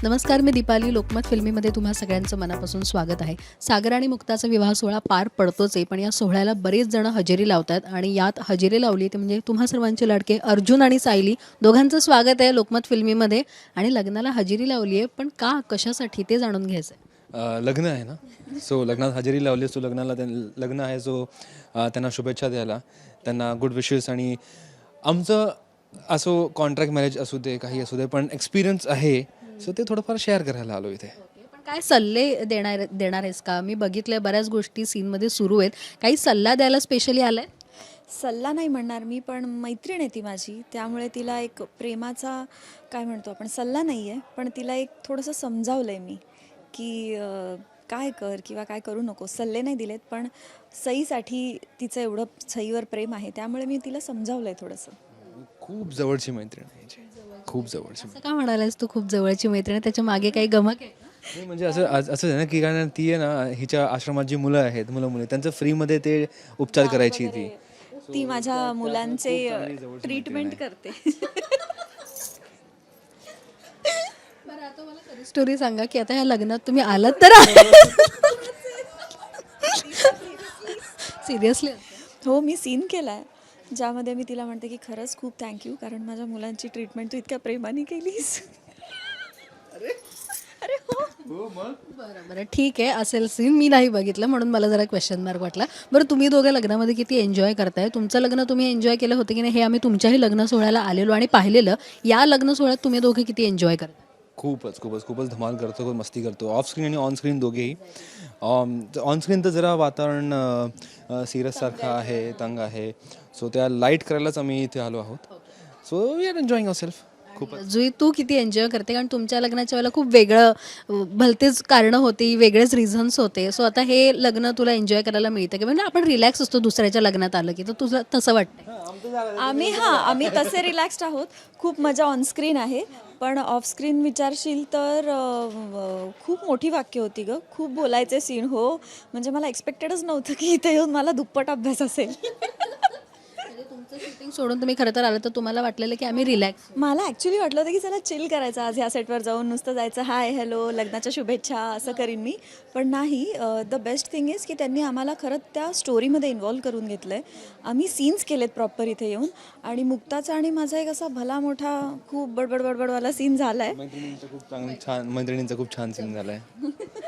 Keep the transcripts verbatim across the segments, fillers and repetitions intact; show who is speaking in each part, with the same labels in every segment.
Speaker 1: नमस्कार, मी दीपाली. लोकमत फिल्मीमध्ये तुम्हा सगळ्यांचं मनापासून स्वागत आहे. सागर आणि मुक्ताचा विवाह सोहळा पार पडतोच आहे, पण या सोहळ्याला बरेच जण हजेरी लावतात आणि यात हजेरी लावली ते म्हणजे तुम्हा सर्वांचे लाडके अर्जुन आणि सायली दोघांचं स्वागत आहे लोकमत फिल्मीमध्ये. आणि लग्नाला हजेरी लावली आहे, पण का, कशासाठी ते जाणून घ्यायचं आहे.
Speaker 2: अ, लग्न आहे ना, सो लग्नात हजेरी लावली. सो लग्नाला त्यां लग्न आहे, सो अ, त्यांना शुभेच्छा द्यायला, त्यांना गुड विशेस. आणि आमचं असो कॉन्ट्रॅक्ट मॅरेज असू दे, काही असू दे, पण एक्सपिरियन्स आहे, सो ते थोडंफार शेअर करायला आलो इथे.
Speaker 1: पण काय सल्ले देणार देणार आहेस का? मी बघितलंय बऱ्याच गोष्टी सीनमध्ये सुरू आहेत. काही सल्ला द्यायला स्पेशली आलाय?
Speaker 3: सल्ला नाही म्हणणार मी, पण मैत्रीण आहे ती माझी, त्यामुळे तिला एक प्रेमाचा काय म्हणतो आपण, सल्ला नाही आहे, पण तिला एक थोडंसं समजावलं आहे मी की अं, काय कर किंवा काय करू नको. सल्ले नाही दिलेत, पण सईसाठी तिचं एवढं सईवर प्रेम आहे, त्यामुळे मी तिला समजावलं आहे थोडंसं.
Speaker 2: खूप जवळची मैत्रीण आहे हिची. खूप जवळची.
Speaker 1: असं का म्हणालायस तू खूप जवळची मैत्रीण आहे? त्याच्या मागे काही गमक आहे का?
Speaker 2: नाही म्हणजे असं असं असं आहे ना, की कारण ती आहे ना, हिच्या आश्रमात जी मुलं आहेत, मुलं मुली, त्यांचं फ्रीमध्ये ते उपचार करायची ती.
Speaker 3: ती माझ्या मुलांचे ट्रीटमेंट करते.
Speaker 1: बरं, आता मला खरी स्टोरी सांगा की आता ह्या लग्नात तुम्ही आलात तर सिरियसली?
Speaker 3: हो, मी सीन केला आहे ज्यामध्ये मी तिला म्हणते की खरंच खूप थँक्यू, कारण माझ्या मुलांची ट्रीटमेंट तू इतक्या प्रेमाने केलीस. अरे हो.
Speaker 1: बरं बरं ठीक आहे, असेल सीन. मी नाही बघितलं म्हणून मला जरा क्वेश्चन मार्क वाटला. बरं, तुम्ही दोघं लग्नामध्ये किती एन्जॉय करताय? तुमचं लग्न तुम्ही एन्जॉय केलं होतं की नाही हे आम्ही तुमच्याही लग्न सोहळ्याला आलेलो आणि पाहिलेलं. या लग्न सोहळ्यात तुम्ही दोघे किती एन्जॉय करता?
Speaker 2: खूपच खूपच खूपच धमाल करतो, खूप मस्ती करतो, ऑफ स्क्रीन आणि ऑन स्क्रीन दोघेही. ऑन स्क्रीन तर जरा वातावरण सिरियससारखं आहे, तंग आहे, सो त्या लाईट करायलाच आम्ही इथे आलो आहोत. So we are enjoying our self. खूप.
Speaker 1: जुई, तू किती एन्जॉय करते? कारण तुमच्या लग्नाच्या वेळेला खूप वेगळं अ, भलतेच कारणं होती, वेगळेच रिझन्स होते. सो आता हे लग्न तुला एन्जॉय करायला मिळतं की म्हणजे आपण रिलॅक्स असतो दुसऱ्याच्या लग्नात आलं की, तर तुझं तसं वाटतं?
Speaker 3: आम्ही हां आम्ही तसे रिलॅक्स्ड आहोत. खूप मजा ऑनस्क्रीन आहे, पण ऑफस्क्रीन विचारशील तर अ, खूप मोठी वाक्य होती गं, खूप बोलायचे सीन. हो, म्हणजे मला एक्सपेक्टेडच नव्हतं की इथे येऊन मला दुप्पट अभ्यास असेल.
Speaker 1: तुमचं शूटिंग सोडून तुम्ही खरं तर आलं तर तुम्हाला वाटलेलं की आम्ही रिलॅक्स.
Speaker 3: मला ॲक्च्युली वाटलं होतं की चला चिल करायचं आज ह्या सेटवर जाऊन, नुसतं जायचं हाय हॅलो लग्नाच्या शुभेच्छा असं करीन मी. पण नाही, द बेस्ट थिंग इज की त्यांनी आम्हाला खरंच त्या स्टोरीमध्ये इन्व्हॉल्व करून घेतलं आहे. आम्ही सीन्स केलेत प्रॉपर इथे येऊन, आणि मुक्ताचा आणि माझा एक असा भला मोठा खूप बडबड बडबडवाला सीन झाला आहे.
Speaker 2: मैत्रिणींचा खूप चांगला छान मैत्रिणींचा खूप छान सीन झाला आहे.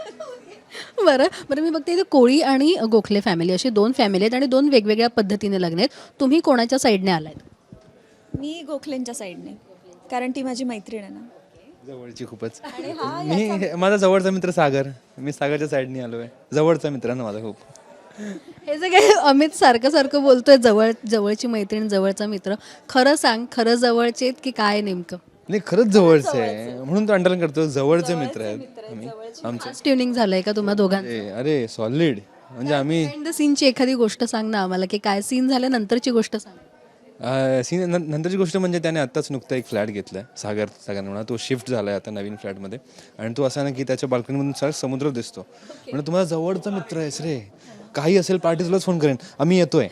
Speaker 1: बरं बरं, मी बघते इथे कोळी आणि गोखले फॅमिली अशी दोन फॅमिली आहेत आणि दोन वेगवेगळ्या पद्धतीने लग्न आहेत. तुम्ही कोणाच्या साईडने आलात?
Speaker 3: मी गोखलेंच्या साईडने, कारण ती माझी मैत्रीण आहे ना.
Speaker 2: जवळची खूपच. मी माझा जवळचा मित्र सागर, मी सागरच्या साईडने आलो आहे. जवळचा मित्र ना माझा खूप.
Speaker 1: हे जे काही अमित सारखं सारखं बोलतोय, जवळ जवळची मैत्रीण, जवळचा मित्र, खरं सांग, खरं जवळचे आहेत की काय नेमकं?
Speaker 2: नाही, खरंच जवळचं आहे, म्हणून तो अंडरलाईन करतो. जवळचे मित्र आहेत आम्ही आमचे.
Speaker 1: ट्युनिंग झालंय का तुम्हा दोघांचं?
Speaker 2: अरे अरे सॉलिड. म्हणजे आम्ही
Speaker 1: द सीनची एखादी गोष्ट सांग ना आम्हाला, की काय सीन झाल्यानंतरची गोष्ट सांग.
Speaker 2: सीन नंतरची गोष्ट म्हणजे त्याने आत्ताच नुकता एक फ्लॅट घेतला आहे, सागर सागर म्हणा. तो शिफ्ट झाला आहे आता नवीन फ्लॅटमध्ये, आणि तो असा ना की त्याच्या बाल्कनीमधून सारा समुद्र दिसतो. म्हणजे तुम्हाला जवळचा मित्र आहेस रे, काही असेल पार्टी तुलाच फोन करेन, आम्ही येतोय.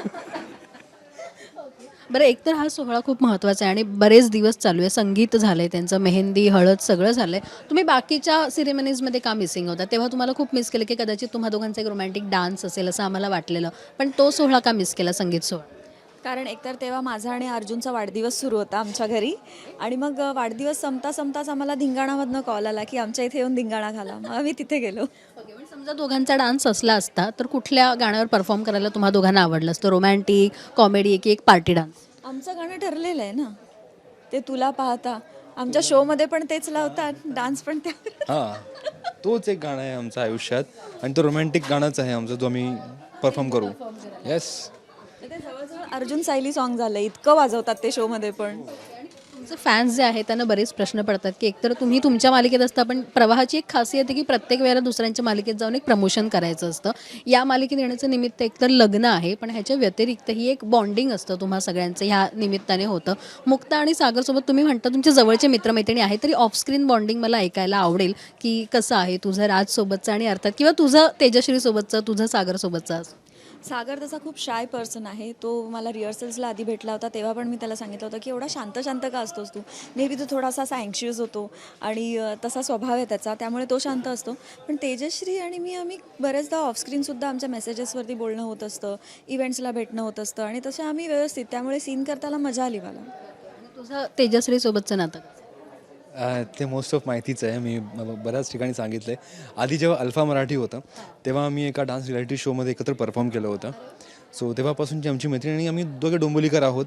Speaker 1: बरं, एकतर हा सोहळा खूप महत्त्वाचा आहे आणि बरेच दिवस चालू आहे. संगीत झालंय त्यांचं, मेहंदी, हळद सगळं झालंय. तुम्ही बाकीच्या सिरेमनीजमध्ये का मिसिंग होता? तेव्हा तुम्हाला खूप मिस केलं की कदाचित तुम्हा दोघांचा एक रोमॅन्टिक डान्स असेल असं आम्हाला वाटलेलं, पण तो सोहळा का मिस केला, संगीत सोहळा?
Speaker 3: कारण एकतर तेव्हा माझा आणि अर्जुनचा वाढदिवस सुरू होता आमच्या घरी, आणि मग वाढदिवस संपता संपताच आम्हाला धिंगाणामधनं कॉल आला की आमच्या इथे येऊन धिंगाणा घाला. मग आम्ही तिथे गेलो.
Speaker 1: ओके, पण समजा दोघांचा डान्स असला असता तर कुठल्या गाण्यावर परफॉर्म करायला तुम्हा दोघांना आवडलं असतं? रोमॅन्टिक, कॉमेडी की एक पार्टी डान्स?
Speaker 3: आमचं गाणं ठरलेलं आहे ना, ते तुला पाहता. आमच्या शोमध्ये पण तेच लावतात, डान्स पण त्या.
Speaker 2: हां, तोच एक गाणं आहे आमच्या आयुष्यात, आणि तो रोमॅन्टिक गाणंच आहे आमचं, जो आम्ही परफॉर्म करू. येस.
Speaker 3: ते जवळजवळ अर्जुन सायली सॉन्ग झालं, इतकं वाजवतात ते शोमध्ये पण.
Speaker 1: तुमचे फॅन्स जे आहेत त्यांना बरेच प्रश्न पडतात की एकतर तुम्ही तुमच्या मालिकेत असता, पण प्रवाहाची एक खासियत आहे की प्रत्येक वेळेला दुसऱ्यांच्या मालिकेत जाऊन एक प्रमोशन करायचं असतं. या मालिकेत येण्याचं निमित्त एकतर लग्न आहे, पण ह्याच्या व्यतिरिक्त ही एक बॉन्डिंग असतं तुम्हा सगळ्यांचं, ह्या निमित्ताने होतं. मुक्ता आणि सागरसोबत तुम्ही म्हणता तुमचे जवळचे मित्रमैत्रिणी आहेत, तरी ऑफस्क्रीन बॉन्डिंग मला ऐकायला आवडेल की कसं आहे तुझं राजसोबतचं आणि अर्थात किंवा तुझं तेजश्रीसोबतचं, तुझं सागरसोबतचं असं?
Speaker 3: सागर तसा खूप शाय पर्सन आहे. तो मला रिहर्सल्सला आधी भेटला होता तेव्हा पण मी त्याला सांगितलं होतं की एवढा शांत शांत का असतोस तू. मे बी तो थोडासा असा अँक्शियस होतो आणि अ, तसा स्वभाव आहे त्याचा, त्यामुळे तो शांत असतो. पण तेजश्री आणि मी आम्ही बऱ्याचदा ऑफस्क्रीनसुद्धा आमच्या मेसेजेसवरती बोलणं होत असतं, इव्हेंट्सला भेटणं होत असतं आणि तसे आम्ही व्यवस्थित, त्यामुळे सीन करताना मजा आली मला.
Speaker 1: आणि तुझं तेजश्री सोबतचं नातं कसं?
Speaker 2: अ, ते मोस्ट ऑफ माहितीच आहे. मी ब- बऱ्याच ठिकाणी सांगितलं आहे. आधी जेव्हा अल्फा मराठी होतं तेव्हा आम्ही एका डान्स रियालिटी शोमध्ये एकत्र परफॉर्म केलं होतं. सो तेव्हापासूनची आमची मैत्रीण आणि आम्ही दोघे डोंबिवलीकर आहोत.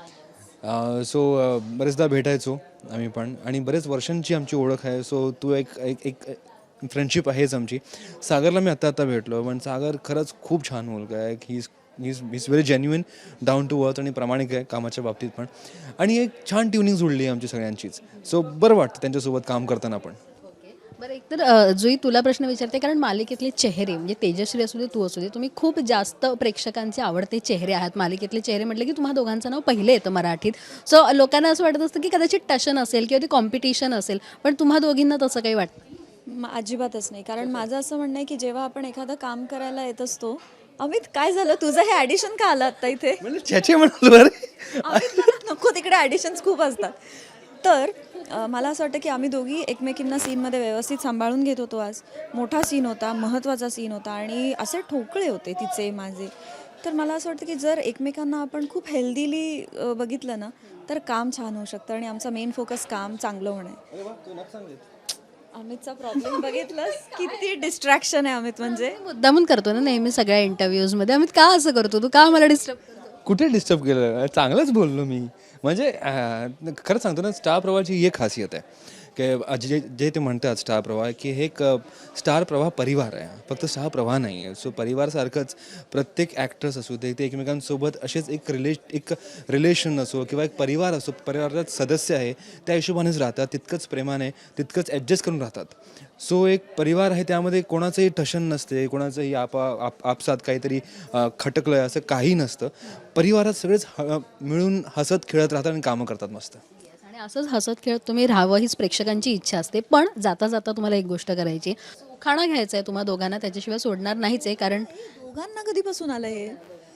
Speaker 2: सो बरेचदा भेटायचो आम्ही पण आणि बरेच वर्षांची आमची ओळख आहे. सो तू एक एक एक फ्रेंडशिप आहेच आमची. सागरला मी आत्ता आत्ता भेटलो पण सागर खरंच खूप छान मुलगा आहे. He is is is very genuine, down to earth आणि प्रामाणिक आहे कामाच्या बाबतीत पण. आणि एक छान ट्युनिंग जुळली आहे आमची सगळ्यांचीच. सो बरं वाटतं त्यांच्यासोबत काम करताना पण.
Speaker 1: बरं एकतर अ, जुई तुला प्रश्न विचारते कारण मालिकेतले चेहरे म्हणजे तेजश्री असू दे तू असू दे तुम्ही खूप जास्त प्रेक्षकांचे आवडते चेहरे आहात. मालिकेतले चेहरे म्हटलं की तुम्हा दोघांचं नाव पहिले येतं मराठीत. सो लोकांना असं वाटत असतं की कदाचित टशन असेल किंवा ती कॉम्पिटिशन असेल पण तुम्हा दोघींना तसं काही वाटतं?
Speaker 3: म- अजिबातच नाही. कारण माझं असं म्हणणं आहे की जेव्हा आपण एखादं काम करायला येत असतो, अमित काय झालं तुझं हे ॲडिशन का आलं आत्ता इथे?
Speaker 2: म्हणजे छ्याचे म्हणालो अरे.
Speaker 3: अमित मला नको, तिकडे ॲडिशन्स खूप असतात. तर अ, मला असं वाटतं की आम्ही दोघी एकमेकींना सीनमध्ये व्यवस्थित सांभाळून घेत होतो. आज मोठा सीन होता, महत्त्वाचा सीन होता आणि असे ठोकळे होते तिचे माझे. तर मला असं वाटतं की जर एकमेकांना आपण खूप हेल्दीली बघितलं ना तर काम छान होऊ शकतं आणि आमचा मेन फोकस काम चांगलं होणं आहे. अमितचा प्रॉब्लेम बघितलंस, किती डिस्ट्रॅक्शन आहे अमित म्हणजे.
Speaker 1: मुद्दामून करतो ना नेहमी सगळ्या इंटरव्ह्यूजमध्ये. अमित का असं करतो तू? का मला डिस्टर्ब करतो?
Speaker 2: कुठे डिस्टर्ब केलं? चांगलंच बोललो मी. म्हणजे अं, खरं सांगतो ना स्टार प्रवाहाची ही एक खासियत आहे की जे जे ते म्हणतात स्टार प्रवाह की हे एक स्टार प्रवाह परिवार आहे, फक्त स्टार प्रवाह नाही आहे. सो परिवारसारखंच प्रत्येक ॲक्टर्स असू दे ते एकमेकांसोबत असेच एक रिले एक रिलेशन असो किंवा एक परिवार असो, परिवारात सदस्य आहे त्या हिशोबानेच राहतात, तितकंच प्रेमाने तितकंच ॲडजस्ट करून राहतात. सो एक परिवार आहे त्यामध्ये कोणाचंही ठशन नसते, कोणाचंही आपा आप आपसात काहीतरी अ, खटकलं आहे असं काही नसतं. परिवारात सगळेच ह मिळून हसत खेळत राहतात आणि कामं करतात मस्त.
Speaker 1: आणि असंच हसत खेळत तुम्ही राहावं हीच प्रेक्षकांची इच्छा असते. पण जाता जाता तुम्हाला एक गोष्ट करायची आहे. उखाणा घ्यायचा आहे तुम्हा दोघांना, त्याच्याशिवाय सोडणार नाहीच आहे. कारण
Speaker 3: दोघांना कधीपासून आलं हे?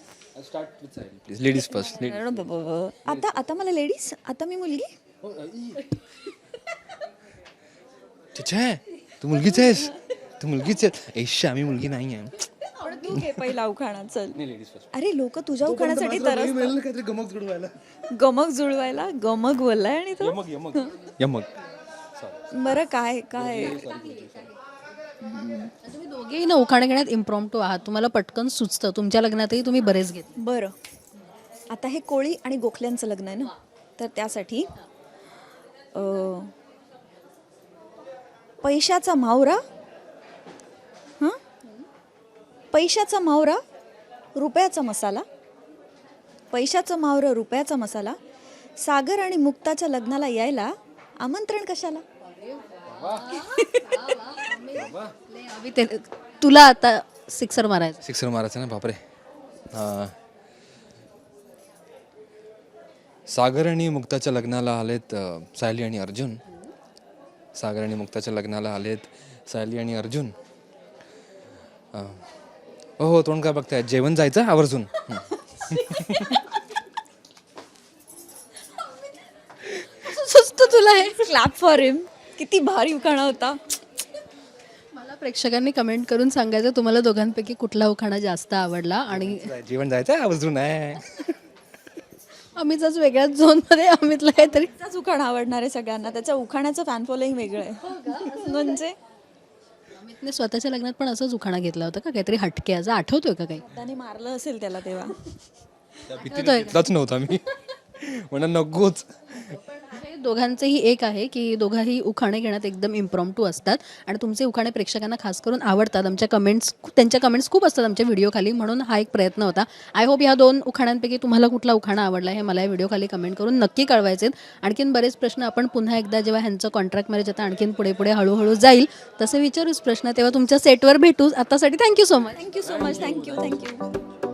Speaker 2: Please ladies first.
Speaker 3: आता आता मला लेडीज, आता मी मुलगी.
Speaker 2: छे तू मुलगीच आहेस, तू मुलगीच आहेस. ऐश आम्ही मुलगी नाही आहे.
Speaker 3: पण तू घे पहिला उखाणा चल.
Speaker 2: Ladies first.
Speaker 3: अरे लोक तुझ्या उखाण्यासाठी तरस
Speaker 2: काहीतरी गमक जुळवायला.
Speaker 3: गमक जुळवायला गमक बोललाय आणि तो
Speaker 2: यमक यमक यमक.
Speaker 3: बरं काय काय
Speaker 1: तुम्ही दोघेही ना उखाणे घेण्यात इम्प्रॉम्प्टो आहात. तुम्हाला पटकन सुचतं. तुमच्या लग्नातही तुम्ही बरेच घेत.
Speaker 3: बरं. आता हे कोळी आणि गोखल्यांचं लग्न आहे ना, तर त्यासाठी अं, पैशाचा मावरा, हां पैशाचा मावरा रुपयाचा मसाला, पैशाचं मावरं रुपयाचा मसाला, सागर आणि मुक्ताच्या लग्नाला यायला आमंत्रण कशाला.
Speaker 1: अभि ते तुला आता सिक्सर मारायचं.
Speaker 2: सिक्सर मारायचं ना बापरे. हां. सागर आणि मुक्ताच्या लग्नाला आलेत अ, सायली आणि अर्जुन. सागर आणि मुक्ताच्या लग्नाला आलेत सायली आणि अर्जुन. अ, हो हो तोंड काय बघताय, जेवण जायचं आवर्जून. हं.
Speaker 1: सुचतं तुला हे?
Speaker 3: Clap for him. किती भारी उखाणा होता.
Speaker 1: मला प्रेक्षकांनी कमेंट करून सांगायचं तुम्हाला दोघांपैकी कुठला उखाणा जास्त आवडला. आणि
Speaker 2: जेवण जायचं आवर्जून आहे.
Speaker 1: अमितचाच वेगळ्याच झोनमध्ये अमितला काहीतरी
Speaker 3: त्याचाच उखाणा आवडणार आहे सगळ्यांना. त्याच्या उखाण्याचं फॅन फॉलोईंग वेगळं आहे. म्हणजे
Speaker 1: अमितने स्वतःच्या लग्नात पण असंच उखाणा घेतला होता का काहीतरी हटके असं आठवतोय का काही?
Speaker 3: त्याने मारलं असेल त्याला तेव्हा.
Speaker 2: त्या भीतीने घेतलाच नव्हता मी. म्हणा नकोच.
Speaker 1: हे दोघांचंही एक आहे की दोघाही उखाणे घेण्यात एकदम इम्प्रॉम्प्टू असतात आणि तुमचे उखाणे प्रेक्षकांना खास करून आवडतात. आमच्या कमेंट्स त्यांच्या कमेंट्स खूप असतात आमच्या व्हिडिओ खाली, म्हणून हा एक प्रयत्न होता. आय होप ह्या दोन उखाण्यांपैकी तुम्हाला कुठला उखाणा आवडला हे मला या व्हिडिओ खाली कमेंट करून नक्की कळवायचे. आणखीन बरेच प्रश्न आपण पुन्हा एकदा जेव्हा ह्यांचं कॉन्ट्रॅक्ट मॅरेज आता आणखीन पुढे पुढे हळूहळू जाईल तसे विचारूच प्रश्न, तेव्हा तुमच्या सेटवर भेटूच. आतासाठी thank you so much.
Speaker 3: Thank you so much. Thank you thank you